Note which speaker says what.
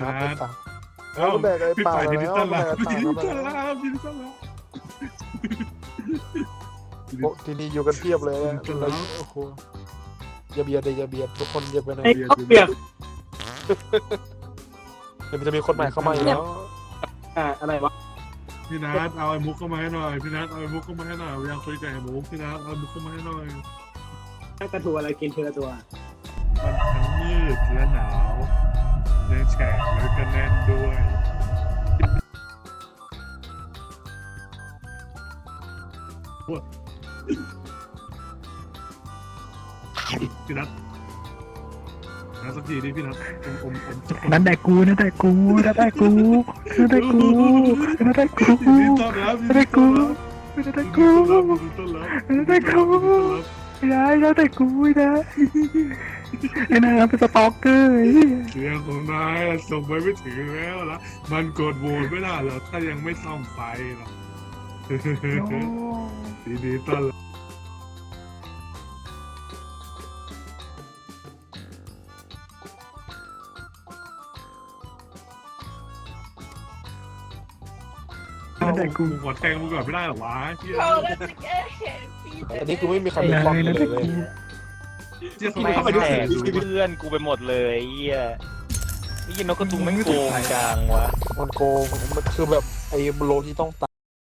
Speaker 1: นัดไปสั่ง
Speaker 2: เอ้า
Speaker 1: ก็แบกไอ้
Speaker 2: พี่
Speaker 1: ป่า
Speaker 2: ป่ายินดี
Speaker 1: แล้ว
Speaker 2: ต้อนรับ
Speaker 1: แบกไอ้
Speaker 2: ยินดี
Speaker 1: ป่า
Speaker 2: ต้อน
Speaker 1: แล้ว
Speaker 2: รับยินดีต้อนรับ
Speaker 1: โอ้ที่นี่อยู่กันเพียบเลยอะเราโอ้โหอย่าเบียดเลยอย่าเบียดทุกคนอย่าไปไหน
Speaker 3: ไอ้ข้าวเปียก
Speaker 1: เดี๋ยวมันจะมีคนใหม่เข้ามาอีกแล้ว
Speaker 3: อะไรวะ
Speaker 2: พี่นัทเอาไอ้มุกเข้ามาให้หน่อยพี่นัทเอาไอ้มุกเข้ามาให้หน่อยอยากคุยกับไอ้มุกพี่นัทเอาไอ้มุกเข้ามาให้หน่อย
Speaker 3: กระทูอะไรกินเทละตัว
Speaker 2: มันทั้งมืดและหนาวยังแฉะแล้วก็แน่นด้วยพี่นัทนัทสักทีดิพี่นัทอม
Speaker 4: นั่นได้กูนั่นได้กูนั่นได้กูนั่นได้กูนั่นได้กู
Speaker 2: ยินดีต้อนรับยินดีต้อนรับ
Speaker 4: นั่นได้
Speaker 2: ยิน
Speaker 4: กู
Speaker 2: ดีต้อนรับ
Speaker 4: นั่นได้กูไม่ได้นั่นได้กูไม่ได้ไอ้นายเป็นสตอกเกอร์
Speaker 2: เสียงของนายส่งไปไม่ถึงแล้วล่ะมันกดโหวตไม่ได้หรอกถ้ายังไม่ซ่อมไฟหรอกยินดีต้อนรับกูขอแทงมึงก่อนไม่ได้หรอวะเฮีย
Speaker 5: เราจะแก้แค้นพี่
Speaker 1: อันนี้คือไม่มีใครเป็นป้องกันเลย
Speaker 2: เจี๊ยบ
Speaker 6: ไม่
Speaker 2: เข้าไป
Speaker 6: แต
Speaker 2: ดู
Speaker 6: กเพื่อนกูไปหมดเลยไอ้เหี้ยนี่ยินนกกระทุงแม่งโกงจังวะ
Speaker 1: มันโกงมันคือแบบไอ้โลที่ต้องต